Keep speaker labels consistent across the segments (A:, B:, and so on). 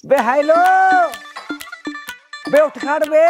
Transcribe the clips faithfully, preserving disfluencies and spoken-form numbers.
A: बे hello बे उठ खड़ बे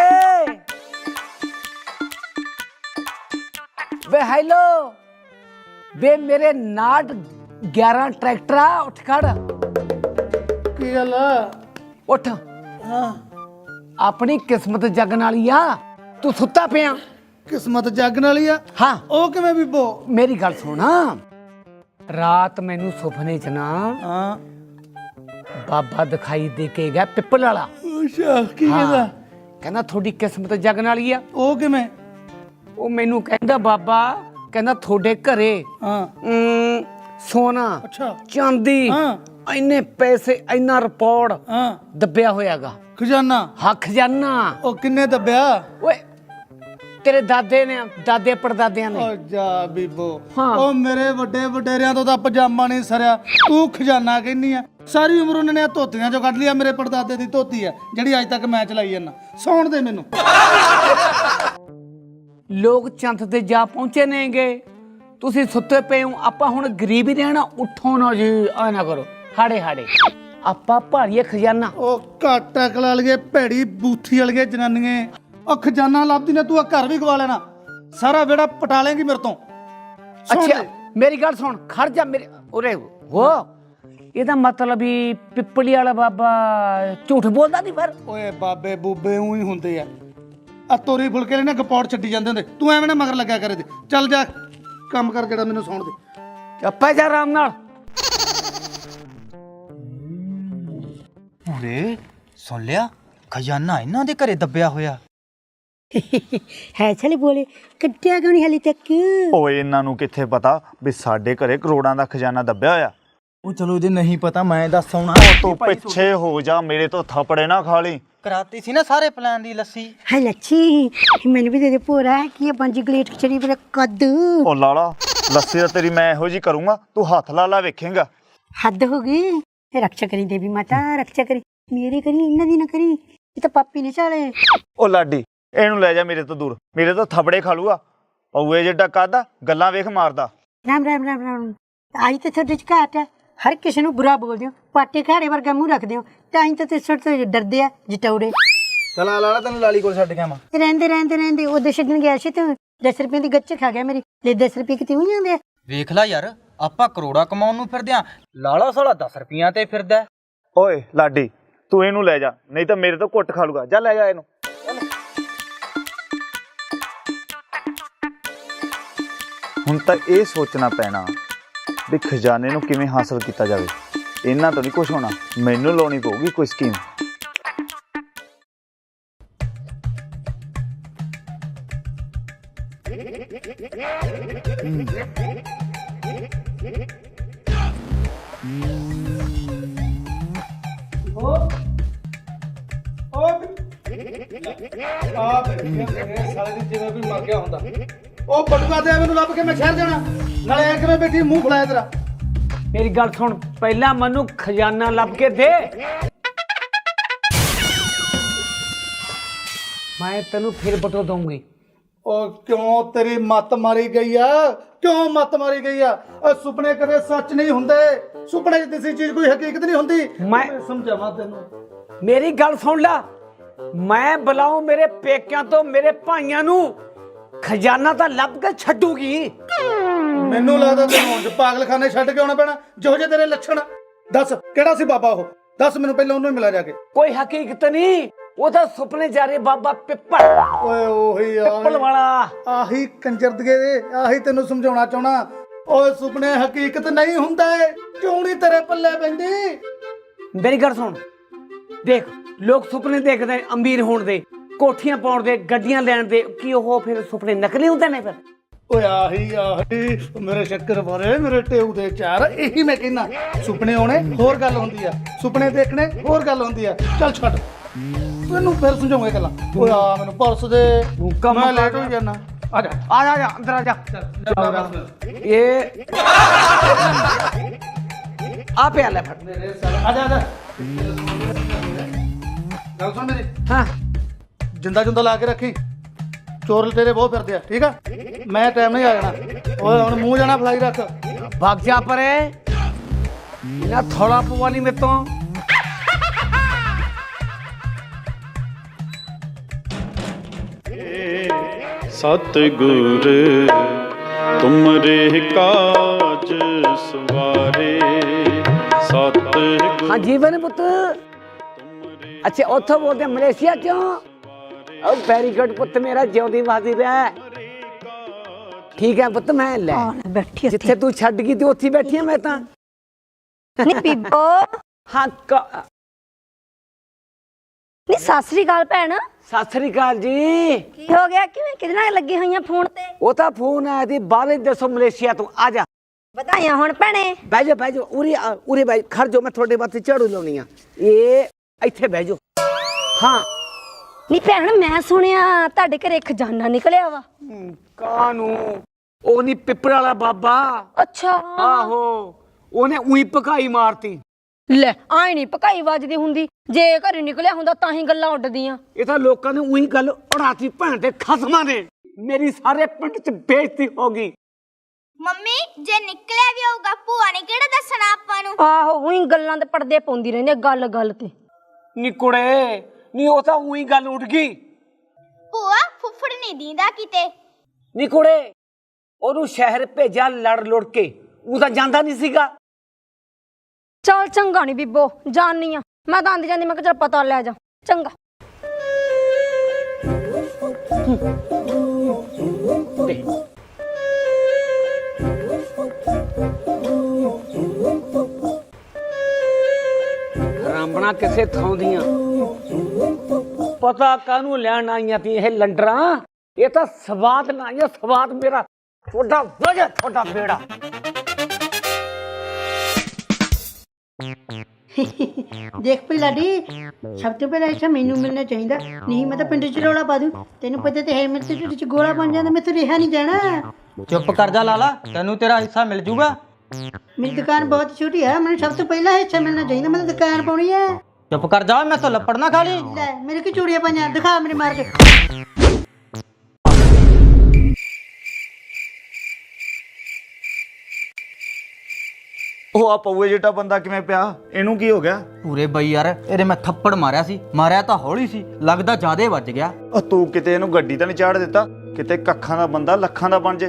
A: बे hello बे मेरे नाट ग्यारह ट्रैक्टर आ उठ खड़
B: की गल
A: उठ
B: हाँ
A: अपनी किस्मत जगन वाली आ तू सुता पिया
B: किस्मत जागन वाली आ
A: हाँ
B: ਉਹ ਕਿਵੇਂ ਬੀਬੋ
A: मेरी गल सुन रात मैनू सुपने च ना
B: ਹਾਂ
A: बाबा दिखाई दे के गया पिपल वाला
B: ਅੱਛਾ ਕੀ ਕਹਿੰਦਾ
A: कहना थोड़ी किस्मत जगन वाली आ
B: ਉਹ ਕਿਵੇਂ
A: ਉਹ ਮੈਨੂੰ ਕਹਿੰਦਾ ਬਾਬਾ ਕਹਿੰਦਾ ਤੁਹਾਡੇ ਘਰੇ
B: ਹਾਂ
A: ਅਮ, ਸੋਨਾ
B: ਅੱਛਾ
A: ਚਾਂਦੀ
B: ਹਾਂ
A: ਇੰਨੇ ਪੈਸੇ ਇੰਨਾ ਰਿਪੋਰਟ
B: ਹਾਂ
A: ਦੱਬਿਆ ਹੋਇਆਗਾ
B: ਖਜ਼ਾਨਾ
A: ਹਾਂ ਖਜ਼ਾਨਾ
B: ਉਹ ਕਿੰਨੇ ਦੱਬਿਆ
A: ਓਏ ਤੇਰੇ ਦਾਦੇ ਨੇ ਦਾਦੇ ਪੜਦਾਦਿਆਂ ਨੇ
B: ਓ ਜਾ ਬੀਬੋ
A: ਹਾਂ।
B: ਉਹ ਮੇਰੇ ਵੱਡੇ ਵਡੇਰਿਆਂ ਤੋਂ ਤਾਂ ਪਜਾਮਾ ਨਹੀਂ ਸਰਿਆ ਤੂੰ ਖਜ਼ਾਨਾ ਕਹਿੰਨੀ ਆ ਸਾਰੀ ਉਮਰ ਉਹਨਾਂ ਨੇ ਧੋਤੀਆਂ ਚੋਂ ਕੱਢ ਲਿਆ ਮੇਰੇ ਪੜਦਾਦੇ ਦੀ ਧੋਤੀ ਆ ਜਿਹੜੀ ਅੱਜ ਤੱਕ ਮੈਂ ਚਲਾਈ ਜਾਂਦਾ ਸੌਣ ਦੇ ਮੈਨੂੰ
A: ਲੋਕ ਚੰਦ ਤੇ ਜਾ ਪਹੁੰਚੇ ਨੇਗੇ ਤੁਸੀਂ ਸੁੱਤੇ ਪਏ ਹੋ ਆਪਾਂ ਹੁਣ ਗਰੀਬ ਹੀ ਰਹਿਣਾ ਉੱਠੋ ਨਾ ਜੀ ਆ ਨਾ ਕਰੋ ਹਾੜੇ ਹਾੜੇ ਆਪਾਂ ਭਾਰੀਏ ਖਜ਼ਾਨਾ
B: ਉਹ ਘੱਟ ਅਕਲ ਵਾਲੀਏ ਭੈੜੀ ਬੂਥੀ ਵਾਲੀਏ ਜਨਾਨੀਆਂ ਉਹ ਖਜ਼ਾਨਾ ਲੱਭਦੀ ਨੇ ਤੂੰ ਆ ਘਰ ਵੀ ਗਵਾ ਲੈਣਾ ਸਾਰਾ ਵਿਹੜਾ ਪਟਾ ਲੇਂਗੀ ਮੇਰੇ ਤੋਂ ਸੌਣ
A: ਅੱਛਾ
B: ਦੇ।
A: ਮੇਰੀ ਗੱਲ ਸੁਣ ਖੜ ਜਾ ਮੇਰੇ ਉਰੇ ਹੋ ਇਹਦਾ ਮਤਲਬ ਵੀ ਪਿੱਪਲੀ ਵਾਲਾ ਬਾਬਾ ਝੂਠ ਬੋਲਦਾ ਨਹੀਂ ਫਿਰ
B: ਓਏ ਬਾਬੇ ਬੂਬੇ ਉਹੀ ਹੁੰਦੇ ਆ ਆ ਤੋਰੀ ਫੁਲਕੇ ਲੈਣੇ ਗਪੌੜ ਛੱਡੀ ਜਾਂਦੇ ਹੁੰਦੇ ਤੂੰ ਐਵੇਂ ਨਾ ਮਗਰ ਲੱਗਿਆ ਕਰੇ ਤੇ ਚੱਲ ਜਾ ਕੰਮ ਕਰ ਜਿਹੜਾ ਮੈਨੂੰ ਸੌਣ ਦੇ
A: ਚੱਪਾ ਜਾ ਆਰਾਮ ਨਾਲ
C: ਉਰੇ ਸੁਣ ਲਿਆ ਖਜ਼ਾਨਾ ਇਹਨਾਂ ਦੇ ਘਰੇ ਦੱਬਿਆ ਹੋਇਆ
D: ਹੈ ਛਲੇ ਬੋਲੇ ਕੱਟਿਆ ਕਿਉਂ ਨਹੀਂ ਹਲੇ ਤੱਕ
E: ਓਏ ਇਹਨਾਂ ਨੂੰ ਕਿੱਥੇ ਪਤਾ ਵੀ ਸਾਡੇ ਘਰੇ ਕਰੋੜਾਂ ਦਾ ਖਜ਼ਾਨਾ ਦੱਬਿਆ ਹੋਇਆ।
C: ਉਹ ਚਲੋ ਇਹਦੇ ਨਹੀਂ ਪਤਾ ਮੈਂ ਦੱਸ ਆਉਣਾ
E: ਤੂੰ ਪਿੱਛੇ ਹੋ ਜਾ ਮੇਰੇ ਤੋਂ ਥੱਪੜੇ ਨਾ ਖਾ ਲਈ।
C: ਕਰਾਤੀ ਸੀ ਨਾ ਸਾਰੇ ਪਲਾਨ ਦੀ ਲੱਸੀ
D: ਹੈ ਲੱਛੀ ਮੈਨੂੰ ਵੀ ਦੇ ਦੇ ਪੂਰਾ ਕੀ ਇਹ ਪੰਜ ਗਲੇਟ ਖਿਚੜੀ ਪਰ ਕੱਦ
E: ਓ ਲਾਲਾ ਲੱਸੀ ਤਾਂ ਤੇਰੀ ਮੈਂ ਇਹੋ ਜੀ ਕਰੂੰਗਾ ਤੂੰ ਹੱਥ ਲਾ ਲਾ ਵੇਖੇਂਗਾ।
D: ਹੱਦ ਹੋ ਗਈ ਇਹ ਰੱਖਿਆ ਕਰੀ ਦੇਵੀ ਮਾਤਾ ਰੱਖਿਆ ਕਰੀ ਮੇਰੇ ਕਰੀ ਇਹਨਾਂ ਦੀ ਨਾ ਕਰੀ ਇਹ ਤਾਂ ਪਾਪੀ ਨੇ ਚਾਲੇ
E: ਓ ਲਾਡੀ ਇਹਨੂੰ ਲੈ ਜਾ ਮੇਰੇ ਤੋਂ ਦੂਰ ਮੇਰੇ ਤੋਂ ਥੱਪੜੇ ਖਾ ਲੂਗਾ ਪਊਏ ਜਿੱਡਾ ਕਾਦਾ ਗੱਲਾਂ ਵੇਖ ਮਾਰਦਾ।
D: ਰਾਮ ਰਾਮ ਰਾਮ ਰਾਮ ਆਈ ਤਾਂ ਤੁਹਾਡੇ ਚ ਘਾਟ ਹੈ ਹਰ ਕਿਸੇ ਨੂੰ ਬੁਰਾ ਬੋਲਦੇ ਹੋ ਪਾਟੇ ਖਾੜੇ ਵਰਗਾ ਮੂੰਹ ਰੱਖਦੇ ਹੋ ਤਾਂ ਹੀ ਤਾਂ ਤੇ ਸੁੱਟ ਤੋਂ ਡਰਦੇ ਆ ਜਟੌੜੇ
C: ਚਲਾ ਲਾਲਾ ਤੈਨੂੰ ਲਾਲੀ ਕੋਲ ਛੱਡ ਗਿਆ ਮੈਂ
D: ਰਹਿੰਦੇ ਰਹਿੰਦੇ ਰਹਿੰਦੇ ਉਹਦੇ ਛੱਡਣ ਗਿਆ ਸੀ ਤੂੰ ਦਸ ਰੁਪਏ ਦੀ ਗੱਚ ਖਾ ਗਿਆ ਮੇਰੀ ਲੈ ਦਸ ਰੁਪਏ ਕਿਤੇ ਹੋ ਜਾਂਦੇ ਆ
C: ਵੇਖ ਲੈ ਯਾਰ ਆਪਾਂ ਕਰੋੜਾ ਕਮਾਉਣ ਨੂੰ ਫਿਰਦੇ ਆ ਲਾਲਾ ਸਾਲਾ ਦਸ ਰੁਪਈਆਂ ਤੇ ਫਿਰਦਾ
E: ਓਏ ਲਾਡੀ ਤੂੰ ਇਹਨੂੰ ਲੈ ਜਾ ਨਹੀਂ ਤਾਂ ਮੇਰੇ ਤੋਂ ਕੁੱਟ ਖਾ ਲੂਗਾ ਜਾ ਲੈ ਜਾ ਇਹਨੂੰ। ਹੁਣ ਤਾਂ ਇਹ ਸੋਚਣਾ ਪੈਣਾ ਵੀ ਖਜ਼ਾਨੇ ਨੂੰ ਕਿਵੇਂ ਹਾਸਲ ਕੀਤਾ ਜਾਵੇ। ਇਹਨਾਂ ਤੋਂ ਨਹੀਂ ਕੁਝ ਹੋਣਾ ਮੈਨੂੰ ਲਾਉਣੀ ਪਊਗੀ ਕੋਈ ਸਕੀਮ।
B: ਸਾਲੇ ਦੀ ਜਿਵੇਂ ਕੋਈ ਮਰ ਗਿਆ ਹੁੰਦਾ ਉਹ ਬਟੂਆ ਦੇ ਮੈਨੂੰ ਲੱਭ ਕੇ ਮੈਂ ਸ਼ਹਿਰ ਜਾਣਾ ਨਾਲੇ ਐ ਕਿਵੇਂ ਬੈਠੀ ਮੂੰਹ ਫਲਾਇਆ ਤੇਰਾ
A: ਮੇਰੀ ਗੱਲ ਸੁਣ ਪਹਿਲਾਂ ਮੈਨੂੰ ਖਜ਼ਾਨਾ ਲੱਭ ਕੇ ਦੇ ਮੈਂ ਤੈਨੂੰ ਫਿਰ ਬਟੋ ਦਊਂਗੀ।
B: ਉਹ ਕਿਉਂ ਤੇਰੀ ਮੱਤ ਮਾਰੀ ਗਈ ਆ ਕਿਉਂ ਮੱਤ ਮਾਰੀ ਗਈ ਆ ਉਹ ਸੁਪਨੇ ਕਦੇ ਸੱਚ ਨਹੀਂ ਹੁੰਦੇ ਸੁਪਨੇ 'ਚ ਕਿਸੇ ਚੀਜ਼ ਕੋਈ ਹਕੀਕਤ ਨਹੀਂ ਹੁੰਦੀ
A: ਮੈਂ
B: ਸਮਝਾਵਾਂ ਤੈਨੂੰ
A: ਮੇਰੀ ਗੱਲ ਸੁਣ ਲੈ ਮੈਂ ਬੁਲਾਉ ਮੇਰੇ ਪੇਕਿਆਂ ਤੋਂ ਮੇਰੇ ਭਾਈਆਂ ਨੂੰ ਖਜ਼ਾਨਾ ਤਾਂ ਲੱਭ ਕੇ ਛੱਡੂਗੀ।
B: ਮੈਨੂੰ ਲੱਗਦਾ ਤੈਨੂੰ ਹੁਣ ਪਾਗਲਖਾਨੇ ਛੱਡ ਕੇ ਆਉਣਾ ਪੈਣਾ ਜਿਹੋ ਜਿਹੇ ਤੇਰੇ ਲੱਛਣ ਦੱਸ ਕਿਹੜਾ ਸੀ ਬਾਬਾ ਉਹ ਦੱਸ ਮੈਨੂੰ ਪਹਿਲਾਂ ਉਹਨੂੰ ਹੀ ਮਿਲਾ ਜਾ ਕੇ
A: ਕੋਈ ਹਕੀਕਤ ਨਹੀਂ ਉਹ ਤਾਂ ਸੁਪਨੇ ਜਾ ਰਹੇ ਬਾਬਾ ਪਿੱਪਲ
B: ਓਏ ਉਹੀ ਆ
A: ਪਿੱਪਲ ਵਾਲਾ
B: ਆਹੀ ਕੰਜਰਦਗੇ ਦੇ ਆਹੀ ਤੈਨੂੰ ਸਮਝਾਉਣਾ ਚਾਹਣਾ ਓਏ ਸੁਪਨੇ ਹਕੀਕਤ ਨਹੀਂ ਹੁੰਦੇ ਕਿਉਂ ਨਹੀਂ ਤੇਰੇ ਪੱਲੇ ਪੈਂਦੀ
A: ਮੇਰੀ ਗੱਲ ਸੁਣ ਦੇਖ ਲੋਕ ਸੁਪਨੇ ਦੇਖਦੇ ਨੇ ਅਮੀਰ ਹੋਣ ਦੇ ਕੋਠੀਆਂ ਪਾਉਣ ਦੇ ਗੱਡੀਆਂ ਲੈਣ ਦੇ ਕੀ ਉਹ ਫਿਰ ਸੁਪਨੇ ਨਕਲੀ ਹੁੰਦੇ ਨੇ ਫਿਰ
B: ਓਏ ਆਹੀ ਆਹੀ ਮੇਰੇ ਸ਼ੱਕਰ ਬਾਰੇ ਮੇਰੇ ਟੇਊ ਦੇ ਚਾਰ ਇਹੀ ਮੈਂ ਕਹਿੰਦਾ ਸੁਪਨੇ ਆਉਣੇ ਹੋਰ ਗੱਲ ਹੁੰਦੀ ਆ ਸੁਪਨੇ ਦੇਖਣੇ ਹੋਰ ਗੱਲ ਹੁੰਦੀ ਆ ਚੱਲ ਛੱਡ ਤੈਨੂੰ ਫਿਰ ਸਮਝਾਉਂਗਾ ਗੱਲਾਂ ਓਏ ਆ ਮੈਨੂੰ ਪਰਸ ਦੇ ਮੈਂ ਲੇਟ ਹੋ ਜਾਣਾ ਆ ਜਾ
A: ਆ ਜਾ, ਜਾ ਅੰਦਰ ਆ ਜਾ ਇਹ ਆ ਪਿਆ ਲੈ ਫੜ
B: ਆ ਜਾ ਆ ਜਾ ਗੱਲ ਸੁਣ ਮੇਰੀ
A: ਹਾਂ
B: ਜਿੰਦਾ ਜੁੰਦਾ ਲਾ ਕੇ ਰੱਖੀ ਚੋਰ ਤੇਰੇ ਬਹੁਤ ਫਿਰਦੇ ਆ ਠੀਕ ਆ ਮੈਂ ਟਾਈਮ ਨਹੀਂ ਆ ਜਾਣਾ ਓਏ ਹੁਣ ਮੂੰਹ ਜਾਣਾ ਫਲਾਈ ਰੱਖ
A: भाग जा परे ना थोड़ा पवाली में तो
F: सतगुर तुमरे काज सवारे सतगुर
A: हाँ जीवन पुत अच्छा उतो बोलते मलेशिया क्यों वेरी गुड पुत मेरा जिउंदी वादी रह ठीक है पुत मैं ले
D: बैठी
A: जिथे तू छड़ गई ते उत्थे बैठी मैं तां
G: ਨੀ ਬੀਬੋ
A: हाँ क-
G: ਨੀ ਸਤਿ ਸ੍ਰੀ ਅਕਾਲ ਭੈਣ
A: सत श्री अकाल जी
G: ਕੀ ਹੋ ਗਿਆ ਕਿਵੇਂ ਕਿਹਦੇ ਨਾਲ ਲੱਗੀ ਹੋਈਆਂ ਫੋਨ ਤੇ
A: ਉਹ ਤਾਂ ਫੋਨ ਆਇਆ ਸੀ ਬਾਹਰ ਦੱਸੋ ਮਲੇਸ਼ੀਆ ਤੋਂ ਆ ਜਾ
G: ਵਧਾਈਆਂ ਹੁਣ ਭੈਣੇ
A: ਬਹਿ ਜਾ ਬਹਿ ਜਾ ਉਰੇ ਆ, ਉਰੇ ਬਹਿ ਖੜ ਜਾ ਮੈਂ ਤੁਹਾਡੇ ਵਾਸਤੇ ਝਾੜੂ ਲਾਉਣੀ ਆ ਇਹ ਇੱਥੇ ਬਹਿ ਜਾ ਹਾਂ
G: ਨੀ ਭੈਣ ਮੈਂ ਸੁਣਿਆ ਤੁਹਾਡੇ ਘਰੇ ਖਜ਼ਾਨਾ ਨਿਕਲਿਆ ਵਾ
A: ਕਾਨੂੰ ਉਹ ਨਹੀਂ ਪਿੱਪੜ ਵਾਲਾ ਬਾਬਾ
G: ਅੱਛਾ
A: ਆਹੋ ਉਹਨੇ ਉਹੀ ਭਕਾਈ ਮਾਰਤੀ
G: ਲੈ ਆਈ ਨਹੀਂ ਪਕਾਈ ਵੱਜਦੀ ਹੁੰਦੀ ਜੇ ਘਰੇ ਨਿਕਲਿਆ ਹੁੰਦਾ ਤਾਂ ਹੀ ਗੱਲਾਂ ਉੱਡਦੀਆਂ
A: ਇਹ ਤਾਂ ਲੋਕਾਂ ਨੇ ਉਹੀ ਗੱਲ ਉਡਾਤੀ ਭੈਣ ਦੇ ਖਸਮਾਂ ਨੇ ਮੇਰੀ ਸਾਰੇ ਪਿੰਡ 'ਚ ਬੇਇੱਜ਼ਤੀ ਹੋ ਗਈ
H: ਮੰਮੀ ਜੇ ਨਿਕਲਿਆ ਵੀ ਹੋਊਗਾ ਭੂਆ ਨੇ ਕਿਹੜਾ ਦੱਸਣਾ ਆਪਾਂ ਨੂੰ
G: ਆਹੋ ਉਹੀ ਗੱਲਾਂ ਦੇ ਪਰਦੇ ਪਾਉਂਦੀ ਰਹਿੰਦੀ ਆ, ਗੱਲ ਗੱਲ ਤੇ
A: ਨੀ ਕੁੜੇ ਨੀ ਉਹ ਤਾਂ ਉਹੀ ਗੱਲ ਉੱਡ ਗਈ
H: ਭੂਆ ਫੁੱਫੜ ਨਹੀਂ ਦੀਂਦਾ ਕਿਤੇ
A: ਨੀ ਕੁੜੇ ਉਹਨੂੰ ਸ਼ਹਿਰ ਭੇਜਿਆ ਲੜ ਲੁੜ ਕੇ ਉਹ ਤਾਂ ਜਾਂਦਾ ਨਹੀਂ ਸੀਗਾ
G: ਚੱਲ ਚੰਗਾ ਨੀ ਬੀਬੋ ਜਾਣੀ ਆ ਮੈਂ ਤਾਂ ਆਂਦੀ ਜਾਂਦੀ ਮੈਂ ਕਿਹਾ ਚੱਲ ਪਤਾ ਲੈ ਜਾ ਚੰਗਾ
A: ਰਾਮਣਾ ਕਿਸੇ ਥਾਂ ਦੀਆਂ ਪਤਾ ਕਾਹਨੂੰ ਲੈਣ ਆਈਆਂ ਤੀ ਇਹ ਲੰਡਰਾਂ ਇਹ ਤਾਂ ਸਵਾਦ ਨਾ ਆਈਆਂ ਸਵਾਦ ਮੇਰਾ ਤੁਹਾਡਾ ਵਜਾ ਤੁਹਾਡਾ ਬੇੜਾ
D: ਦੇਖ ਪਈ ਲਾਡੀ ਸਭ ਤੋਂ ਪਹਿਲਾਂ ਇੱਥੇ ਮੈਨੂੰ ਮਿਲਣਾ ਚਾਹੀਦਾ ਨਹੀਂ ਮੈਂ ਤਾਂ ਪਿੰਡ 'ਚ ਰੌਲਾ ਪਾ ਦੂੰ ਤੈਨੂੰ ਪਤਾ ਤੇ ਹੈ ਮੇਰੇ ਤੇ ਢਿੱਡ 'ਚ ਗੋਲਾ ਬਣ ਜਾਂਦਾ ਮੈਂ ਤਾਂ ਰਿਹਾ ਨਹੀਂ ਜਾਣਾ
C: ਚੁੱਪ ਕਰ ਜਾ ਲਾਲਾ ਤੈਨੂੰ ਤੇਰਾ ਹਿੱਸਾ ਮਿਲ ਜੂਗਾ
D: ਮੇਰੀ ਦੁਕਾਨ ਬਹੁਤ ਛੋਟੀ ਹੈ ਮੈਨੂੰ ਸਭ ਤੋਂ ਪਹਿਲਾਂ ਹਿੱਸਾ ਮਿਲਣਾ ਚਾਹੀਦਾ ਮੈਂ ਤਾਂ ਦੁਕਾਨ ਪਾਉਣੀ ਹੈ
C: ਚੁੱਪ ਕਰ ਜਾ ਮੈਂ ਤਾਂ ਲੱਪੜ ਨਾ ਖਾ ਲਈ
D: ਲੈ ਮੇਰੇ ਕੀ ਚੂੜੀਆਂ ਪਾਈਆਂ ਦਿਖਾ ਮੇਰੇ ਮਾਰ ਕੇ
E: ਉਹ ਆ ਪਊਏ ਜਿਹੜਾ ਬੰਦਾ ਕਿਵੇਂ ਪਿਆ ਇਹਨੂੰ ਕੀ ਹੋ ਗਿਆ
C: ਪੂਰੇ ਬਈ ਯਾਰ ਇਹਦੇ ਮੈਂ ਥੱਪੜ ਮਾਰਿਆ ਸੀ ਮਾਰਿਆ ਤਾਂ ਹੌਲੀ ਸੀ ਲੱਗਦਾ ਜ਼ਿਆਦੇ ਵੱਜ ਗਿਆ
E: ਉਹ ਤੂੰ ਕਿਤੇ ਇਹਨੂੰ ਗੱਡੀ ਤਾਂ ਨਹੀਂ ਚਾੜ ਦਿੱਤਾ ਕਿਤੇ ਕੱਖਾਂ ਦਾ ਬੰਦਾ ਲੱਖਾਂ ਦਾ ਬਣ ਜੇ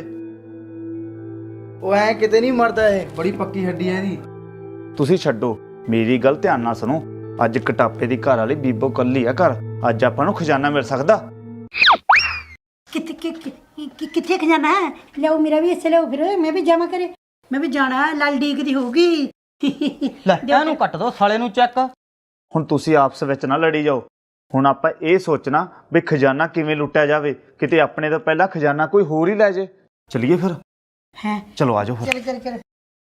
B: ਉਹ ਐ ਕਿਤੇ ਨਹੀਂ ਮਰਦਾ ਇਹ ਬੜੀ ਪੱਕੀ ਹੱਡੀ ਹੈ ਇਹਦੀ
E: ਤੁਸੀਂ ਛੱਡੋ ਮੇਰੀ ਗੱਲ ਧਿਆਨ ਨਾਲ ਸੁਣੋ ਅੱਜ ਕਟਾਪੇ ਦੀ ਘਰ ਵਾਲੀ ਬੀਬੋ ਕੱਲੀ ਆ ਘਰ ਅੱਜ ਆਪਾਂ ਨੂੰ ਖਜ਼ਾਨਾ ਮਿਲ ਸਕਦਾ
D: ਕਿੱਥੇ ਕਿ- ਕਿ- ਕਿ- ਕਿੱਥੇ ਖਜ਼ਾਨਾ ਹੈ ਲਿਆਓ ਮੇਰਾ ਵੀ ਹਿੱਸਾ ਲਿਆਓ ਫਿਰ ਮੈਂ ਵੀ ਜਾਵਾਂ ਕਰੇ ਮੈਂ ਵੀ ਜਾਣਾ ਲਾਲ ਡੀਕ ਦੀ ਹੋਊਗੀ
C: ਲੈ ਇਹਨੂੰ ਕੱਟ ਦੋ ਸਾਲੇ ਨੂੰ ਚੈੱਕ
E: ਹੁਣ ਤੁਸੀਂ ਆਪਸ ਵਿੱਚ ਨਾ ਲੜੀ ਜਾਓ ਹੁਣ ਆਪਾਂ ਇਹ ਸੋਚਣਾ ਵੀ ਖਜ਼ਾਨਾ ਕਿਵੇਂ ਲੁੱਟਿਆ ਜਾਵੇ ਕਿਤੇ ਆਪਣੇ ਤੋਂ ਪਹਿਲਾਂ ਖਜ਼ਾਨਾ ਕੋਈ ਹੋਰ ਹੀ ਲੈ ਜੇ ਚਲਿਏ ਫਿਰ
D: ਹੈ
E: ਚਲੋ ਆਜੋ ਫਿਰ
D: ਚਲ ਚਲ ਚਲ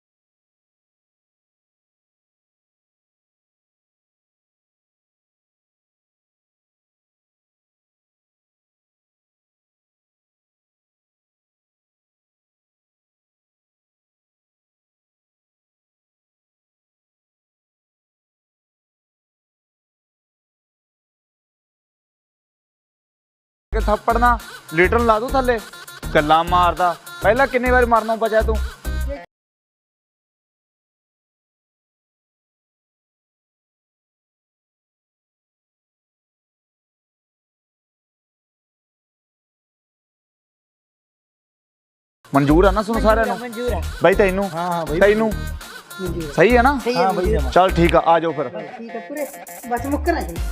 E: ਕਿ ਥੱਪੜ ਨਾ ਲੀਟਰ ਲਾ ਦੂ ਥੱਲੇ ਗੱਲਾਂ ਮਾਰਦਾ ਪਹਿਲਾਂ ਕਿੰਨੇ ਵਾਰ ਮਾਰਨਾ ਬਚਿਆ ਤੂੰ ਮਨਜ਼ੂਰ ਆ ਨਾ ਸੁਣ ਸਾਰਿਆਂ ਨੂੰ
A: ਮਨਜ਼ੂਰ ਹੈ
E: ਬਾਈ ਤੈਨੂੰ
B: ਹਾਂ ਹਾਂ ਬਈ
E: ਤੈਨੂੰ ਸਹੀ ਹੈ ਨਾ
B: ਹਾਂ ਬਈ
E: ਚੱਲ ਠੀਕ ਆ ਆ ਜਾਓ ਫਿਰ
D: ਠੀਕ ਹੈ ਪੂਰੇ ਬਸ ਮੁੱਕਣਾ ਜੀ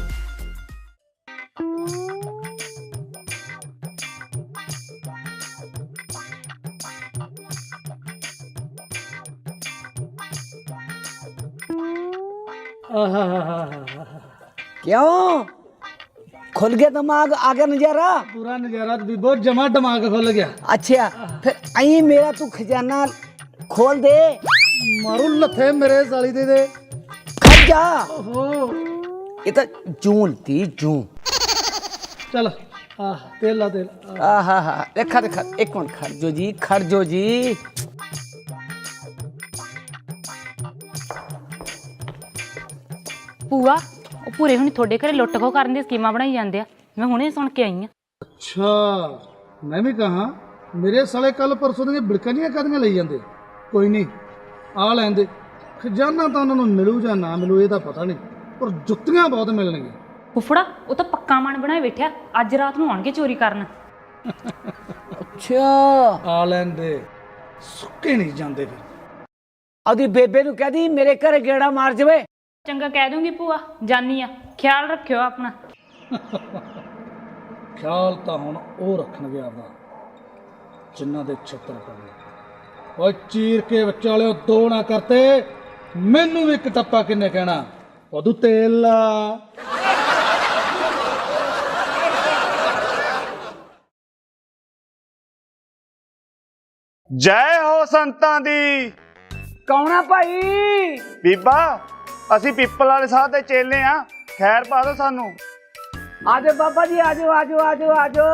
A: क्यों खुल गया दिमाग आगे नजारा
B: ਪੂਰਾ ਨਜ਼ਾਰਾ ਵੀ ਬਹੁਤ ਜਮਾ ਦਿਮਾਗ ਖੁੱਲ ਗਿਆ
A: अच्छा फिर अई मेरा तू खजाना खोल दे
B: ਮਾਰੂ ਲੱਥੇ ਮੇਰੇ ਸਾਲੀ ਦੇ ਦੇ
A: खड़ जा
B: ਓਹੋ
A: ये तो जून थी जून
B: ਚਲ ਆਹ ਤੇਲ ਲਾ ਤੇਲ
A: आहा हा देखा देखा एक मिनट खड़ जो जी खड़ जो जी
I: ਭੂਆ ਉਹ ਪੂਰੇ ਹੁਣੀ ਤੁਹਾਡੇ ਘਰੇ ਲੁੱਟ ਖੋ ਕਰਨ ਦੀ ਸਕੀਮਾਂ ਬਣਾਈ ਜਾਂਦੇ ਆ ਮੈਂ ਹੁਣੇ ਸੁਣ ਕੇ ਆਈ ਆ
B: ਅੱਛਾ ਮੈਂ ਵੀ ਕਹਾ ਮੇਰੇ ਸਾਲੇ ਕੱਲ ਪਰਸੋਂ ਦੀਆਂ ਬਿੜਕਣੀਆਂ ਕਦੀਆਂ ਲਈ ਜਾਂਦੇ ਕੋਈ ਨਹੀਂ ਆ ਲੈਂਦੇ ਖਜ਼ਾਨਾ ਤਾਂ ਉਹਨਾਂ ਨੂੰ ਮਿਲੂ ਜਾਂ ਨਾ ਮਿਲੂ ਇਹ ਤਾਂ ਪਤਾ ਨਹੀਂ ਪਰ ਜੁੱਤੀਆਂ ਬਹੁਤ ਮਿਲਣਗੀਆਂ
I: ਫੁੱਫੜਾ ਉਹ ਤਾਂ ਪੱਕਾ ਮਨ ਬਣਾਏ ਬੈਠਿਆ ਅੱਜ ਰਾਤ ਨੂੰ ਆਉਣਗੇ ਚੋਰੀ ਕਰਨ
A: ਅੱਛਾ
B: ਆ ਲੈਂਦੇ ਸੁੱਕੇ ਨਹੀਂ ਜਾਂਦੇ ਫਿਰ।
A: ਆਦੀ ਬੇਬੇ ਨੂੰ ਕਹਦੀ ਮੇਰੇ ਘਰੇ ਗੇੜਾ ਮਾਰ ਜਵੇ।
I: ਚੰਗਾ ਕਹਿ ਦੂੰਗੀ ਭੂਆ, ਜਾਨੀ ਆ, ਖਿਆਲ ਰੱਖਿਓ ਆਪਣਾ।
B: ਖਿਆਲ ਤਾਂ ਹੁਣ ਉਹ ਰੱਖਣਗੇ ਆਪਦਾ ਜਿਨ੍ਹਾਂ ਦੇ ਛੱਤਰ ਪਵੇ। ਓਏ ਚੀਰ ਕੇ ਵਿਚਾਲਿਓ ਦੋ ਨਾ ਕਰਤੇ, ਮੈਨੂੰ ਵੀ ਇੱਕ ਟੱਪਾ ਕਿੰਨੇ ਕਹਿਣਾ, ਉਦੋਂ ਤੇਲ ਲਾ।
E: ਜੈ ਹੋ ਸੰਤਾਂ ਦੀ।
A: ਕੌਣ ਆ ਭਾਈ?
E: ਬੀਬਾ ਅਸੀਂ ਪਿੱਪਲ ਵਾਲੇ ਸਾਹ ਦੇ ਚੇਲੇ ਆ, ਖੈਰ ਪਾ ਦੋ ਸਾਨੂੰ।
A: ਆਜੋ ਬਾਬਾ ਜੀ, ਆਜੋ ਆਜੋ ਆਜੋ ਆਜੋ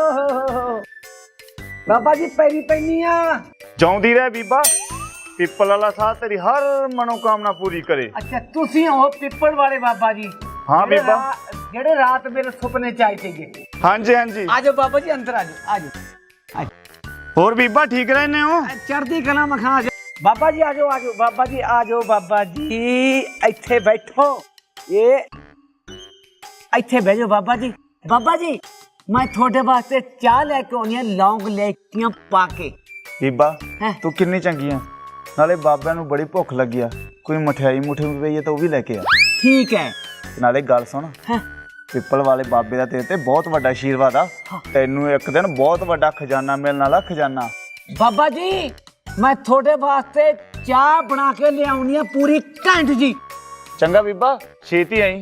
A: ਬਾਬਾ ਜੀ, ਪੈਰੀ ਪੈਣੀ ਆ।
E: ਜਿਉਂਦੀ ਰਹਿ ਬੀਬਾ, ਪਿੱਪਲ ਵਾਲਾ ਸਾਹ ਤੇਰੀ ਹਰ ਮਨੋਕਾਮਨਾ ਪੂਰੀ ਕਰੇ।
A: ਅੱਛਾ ਤੁਸੀਂ ਹੋ ਪਿੱਪਲ ਵਾਲੇ ਬਾਬਾ ਜੀ?
E: ਹਾਂ
A: ਜਿਹੜੇ
E: ਬੀਬਾ।
A: ਰਾ- ਜਿਹੜੇ ਰਾਤ ਮੇਰੇ ਸੁਪਨੇ ਚ ਆਏ ਸੀਗੇ।
E: ਹਾਂਜੀ ਹਾਂਜੀ।
A: ਆਜੋ ਬਾਬਾ ਜੀ, ਅੰਦਰ ਆਜੋ ਆਜੋ।
E: ਹੋਰ ਬੀਬਾ ਠੀਕ ਰਹਿੰਦੇ ਹੋ?
A: ਚੜ੍ਹਦੀ ਕਲਾ ਮਖਾਂ। ਬਾਬਾ ਜੀ ਆਜੋ ਆਜੋ, ਬਾਬਾ ਜੀ ਆਜੋ, ਬਾਬਾ ਜੀ ਇੱਥੇ ਬੈਠੋ। ਇਹ ਇੱਥੇ ਬਹਿ ਜਾਓ ਬਾਬਾ ਜੀ। ਬਾਬਾ ਜੀ ਮੈਂ ਤੁਹਾਡੇ ਵਾਸਤੇ ਚਾਹ ਲੈ ਕੇ ਆਉਣੀ ਆ, ਲੌਂਗ ਲੈਚੀਆਂ ਪਾ ਕੇ।
E: ਬੀਬਾ
A: ਹੈਂ?
E: ਤੂੰ ਕਿੰਨੀ ਚੰਗੀ ਆ, ਨਾਲੇ ਬਾਬਿਆਂ ਨੂੰ ਬੜੀ ਭੁੱਖ ਲੱਗੀ ਆ, ਕੋਈ ਮਠਿਆਈ ਮੁਠੀ ਪਈ ਹੈ ਤਾਂ ਉਹ ਵੀ ਲੈ ਕੇ ਆ।
A: ਠੀਕ ਹੈ।
E: ਤੇ ਨਾਲੇ ਗੱਲ ਸੁਣ,
A: ਹੈਂ?
E: ਪਿੱਪਲ ਵਾਲੇ ਬਾਬੇ ਦਾ ਤੇਰੇ ਤੇ ਬਹੁਤ ਵੱਡਾ ਆਸ਼ੀਰਵਾਦ ਆ। ਤੈਨੂੰ ਇੱਕ ਦਿਨ ਬਹੁਤ ਵੱਡਾ ਖਜ਼ਾਨਾ ਮਿਲਣ ਵਾਲਾ, ਖਜ਼ਾਨਾ।
A: ਬਾਬਾ ਜੀ ਮੈਂ ਤੁਹਾਡੇ ਵਾਸਤੇ ਚਾਹ ਬਣਾ ਕੇ ਲਿਆਉਣੀ ਆ ਪੂਰੀ ਘੰਟ ਜੀ।
E: ਚੰਗਾ ਬੀਬਾ, ਛੇਤੀ ਆਈ।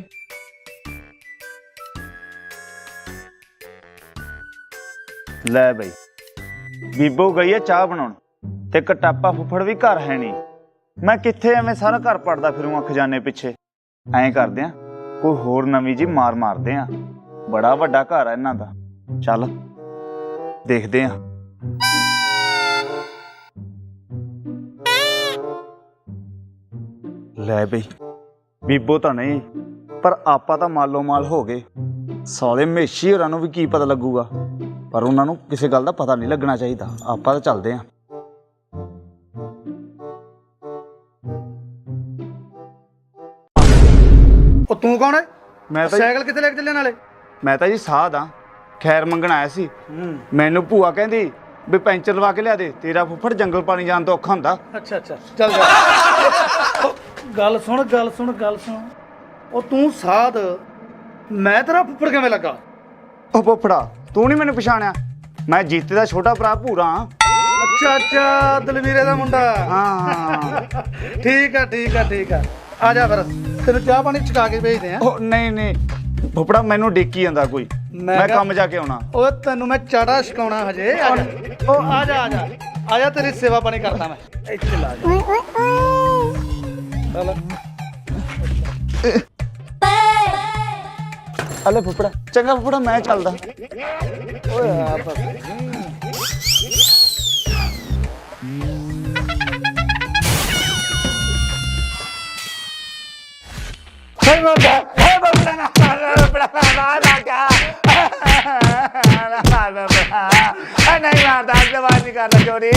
E: ਲੈ ਬਈ, ਬੀਬੋ ਗਈ ਆ ਚਾਹ ਬਣਾਉਣ, ਤੇ ਕਟਾਪਾ ਫੁੱਫੜ ਵੀ ਘਰ ਹੈ ਨਹੀਂ। ਮੈਂ ਕਿੱਥੇ ਐਵੇਂ ਸਾਰਾ ਘਰ ਪੜਦਾ ਫਿਰੂੰਗਾ ਖਜ਼ਾਨੇ ਪਿੱਛੇ। ਐਂ ਕਰਦੇ ਆ, ਕੋਈ ਹੋਰ ਨਵੀਂ ਜੀ ਮਾਰ ਮਾਰਦੇ ਆ। ਬੜਾ ਵੱਡਾ ਘਰ ਆ ਇਹਨਾਂ ਦਾ, ਚੱਲ ਦੇਖਦੇ ਆ। ਲੈ ਬਈ, ਬੀਬੋ ਤਾਂ ਨਹੀਂ, ਪਰ ਆਪਾਂ ਤਾਂ ਮਾਲੋ ਮਾਲ ਹੋ ਗਏ। ਸਾਲੇ ਮੇਸ਼ੀ ਹੋਰਾਂ ਨੂੰ ਵੀ ਕੀ ਪਤਾ ਲੱਗੂਗਾ, ਪਰ ਉਹਨਾਂ ਨੂੰ ਕਿਸੇ ਗੱਲ ਦਾ ਪਤਾ ਨਹੀਂ ਲੱਗਣਾ ਚਾਹੀਦਾ। ਆਪਾਂ ਤਾਂ ਚੱਲਦੇ ਆਂ।
B: ਉਹ ਤੂੰ ਕੌਣ ਹੈ?
E: ਮੈਂ ਤਾਂ
B: ਸਾਈਕਲ ਕਿੱਥੇ ਲੈ ਕੇ ਚੱਲੇ ਨਾਲੇ?
E: ਮੈਂ ਤਾਂ ਜੀ ਸਾਧ ਆ, ਖੈਰ ਮੰਗਣ ਆਇਆ ਸੀ। ਮੈਨੂੰ ਭੂਆ ਕਹਿੰਦੀ ਵੀ ਪੈਂਚਰ ਲਵਾ ਕੇ ਲਿਆ ਦੇ, ਤੇਰਾ ਫੁੱਫੜ ਜੰਗਲ ਪਾਣੀ ਜਾਣ ਤੋਂ ਔਖਾ ਹੁੰਦਾ।
B: ਅੱਛਾ ਅੱਛਾ ਚੱਲ ਜਾ। ਉਹ ਗੱਲ ਸੁਣ ਗੱਲ ਸੁਣ ਗੱਲ ਸੁਣ ਉਹ ਤੂੰ ਸਾਧ, ਮੈਂ ਤੇਰਾ ਫੁੱਫੜ ਕਿਵੇਂ ਲੱਗਾ?
E: ਉਹ ਫੁੱਫੜਾ ਤੂੰ ਨਹੀਂ ਮੈਨੂੰ ਪਛਾਣਿਆ? ਮੈਂ ਜੀਤੇ ਦਾ ਛੋਟਾ ਭਰਾ ਭੂਰਾ ਹਾਂ।
B: ਅੱਛਾ ਅੱਛਾ, ਦਲਵੀਰੇ ਦਾ ਮੁੰਡਾ।
E: ਹਾਂ
B: ਠੀਕ ਆ ਠੀਕ ਆ ਠੀਕ ਆ, ਆ ਜਾ ਫਿਰ ਤੈਨੂੰ ਚਾਹ ਪਾਣੀ ਛਕਾ ਕੇ ਭੇਜਦੇ ਆ।
E: ਉਹ ਨਹੀਂ ਨਹੀਂ ਫੁੱਫੜਾ, ਮੈਨੂੰ ਡੇਕੀ ਜਾਂਦਾ ਕੋਈ, ਮੈਂ ਕੰਮ ਜਾ ਕੇ ਆਉਣਾ।
B: ਓਏ ਤੈਨੂੰ ਮੈਂ ਚਾੜਾ ਛਕਾਉਣਾ ਹਜੇ। ਆ ਜਾ ਉਹ ਆ ਜਾ ਆ ਜਾ ਆ ਜਾ, ਤੇਰੀ ਸੇਵਾ ਪਾਣੀ ਕਰਦਾ ਮੈਂ। ਇੱਥੇ ਲਾ ਜਾ। ਚੱਲ
E: ਹਲੇ ਫੁੱਫੜਾ, ਚੰਗਾ ਫੁੱਫੜਾ ਮੈਂ ਚੱਲਦਾ।
B: ਓਏ ਆ ਬਸ।
E: Hey, Baba! Hey, Baba! Na, na, na, na, na, na, नहीं मारता, जवाब नहीं करता चोरी।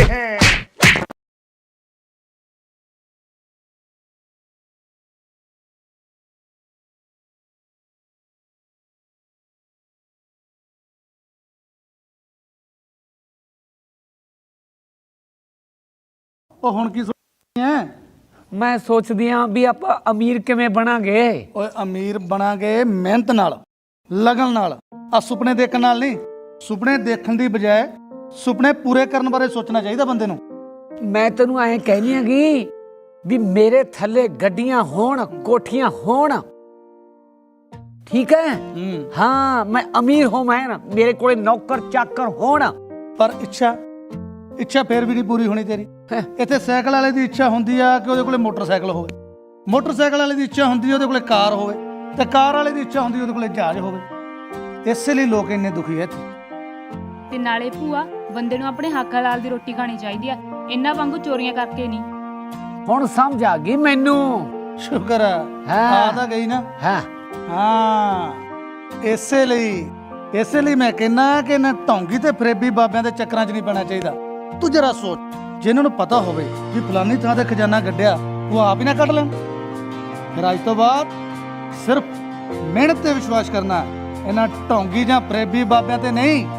B: ਉਹ ਹੁਣ ਕੀ ਸੋਚਦੀ ਐ?
A: ਮੈਂ ਸੋਚਦੀ ਆ ਵੀ ਆਪਾਂ ਅਮੀਰ ਕਿਵੇਂ ਬਣਾਂਗੇ।
B: ਓਏ ਅਮੀਰ ਬਣਾਂਗੇ ਮਿਹਨਤ ਨਾਲ, ਲਗਨ ਨਾਲ, ਆ ਸੁਪਨੇ ਦੇਖਣ ਨਾਲ ਨਹੀਂ। ਸੁਪਨੇ ਦੇਖਣ ਦੀ ਬਜਾਏ ਸੁਪਨੇ ਪੂਰੇ ਕਰਨ ਬਾਰੇ ਸੋਚਣਾ ਚਾਹੀਦਾ ਬੰਦੇ ਨੂੰ।
A: ਮੈਂ ਤੈਨੂੰ ਐਂ ਕਹਿਨੀ ਆਂਗੀ ਵੀ ਮੇਰੇ ਥੱਲੇ ਗੱਡੀਆਂ ਹੋਣ, ਕੋਠੀਆਂ ਹੋਣ, ਠੀਕ ਹੈ? ਹਾਂ, ਮੈਂ ਅਮੀਰ ਹੋਵਾਂ ਨਾ, ਮੇਰੇ ਕੋਲੇ ਨੌਕਰ ਚਾਕਰ ਹੋਣ।
B: ਪਰ ਇੱਛਾ ਇੱਛਾ ਫੇਰ ਵੀ ਨਹੀਂ ਪੂਰੀ ਹੋਣੀ ਤੇਰੀ। ਇੱਥੇ ਸਾਈਕਲ ਵਾਲੇ ਦੀ ਇੱਛਾ ਹੁੰਦੀ ਆ ਕਿ ਉਹਦੇ ਕੋਲੇ ਮੋਟਰਸਾਈਕਲ ਹੋਵੇ, ਮੋਟਰਸਾਈਕਲ ਵਾਲੇ ਦੀ ਇੱਛਾ ਹੁੰਦੀ ਆ ਉਹਦੇ ਕੋਲੇ ਕਾਰ ਹੋਵੇ, ਤੇ ਕਾਰ ਵਾਲੇ ਦੀ ਇੱਛਾ ਹੁੰਦੀ ਉਹਦੇ ਕੋਲੇ ਜਹਾਜ਼ ਹੋਵੇ। ਇਸੇ ਲਈ ਲੋਕ ਇੰਨੇ ਦੁਖੀ ਐ ਇੱਥੇ।
I: ਤੇ ਨਾਲੇ ਭੂਆ, ਬੰਦੇ ਨੂੰ ਆਪਣੇ ਹੱਕ ਹਲਾਲ ਦੀ ਰੋਟੀ ਖਾਣੀ ਚਾਹੀਦੀ ਆ, ਇਹਨਾਂ ਵਾਂਗੂ ਚੋਰੀਆਂ ਕਰਕੇ ਨਹੀਂ।
A: ਹੁਣ ਸਮਝ ਆ ਗਈ ਮੈਨੂੰ।
B: ਸ਼ੁਕਰ ਆ ਆ ਤਾਂ ਗਈ ਨਾ।
A: ਹਾਂ
B: ਹਾਂ, ਇਸੇ ਲਈ ਇਸੇ ਲਈ ਮੈਂ ਕਹਿੰਦਾ ਕਿ ਨਾ ਢੌਂਗੀ ਤੇ ਫਰੇਬੀ ਬਾਬਿਆਂ ਦੇ ਚੱਕਰਾਂ 'ਚ ਨਹੀਂ ਪੈਣਾ ਚਾਹੀਦਾ। ਤੂੰ ਜਰਾ ਸੋਚ, ਜਿਨ੍ਹਾਂ ਨੂੰ ਪਤਾ ਹੋਵੇ ਕਿ ਫਲਾਨੀ ਥਾਂ ਤੇ ਖਜ਼ਾਨਾ ਗੱਡਿਆ, ਉਹ ਆਪ ਹੀ ਨਾ ਕੱਢ ਲੈਣ। ਫਿਰ ਅੱਜ ਤੋਂ ਬਾਅਦ ਸਿਰਫ ਮਿਹਨਤ ਤੇ ਵਿਸ਼ਵਾਸ ਕਰਨਾ, ਇਹਨਾਂ ਢੌਂਗੀ ਜਾਂ ਫਰੇਬੀ ਬਾਬਿਆਂ ਤੇ ਨਹੀਂ।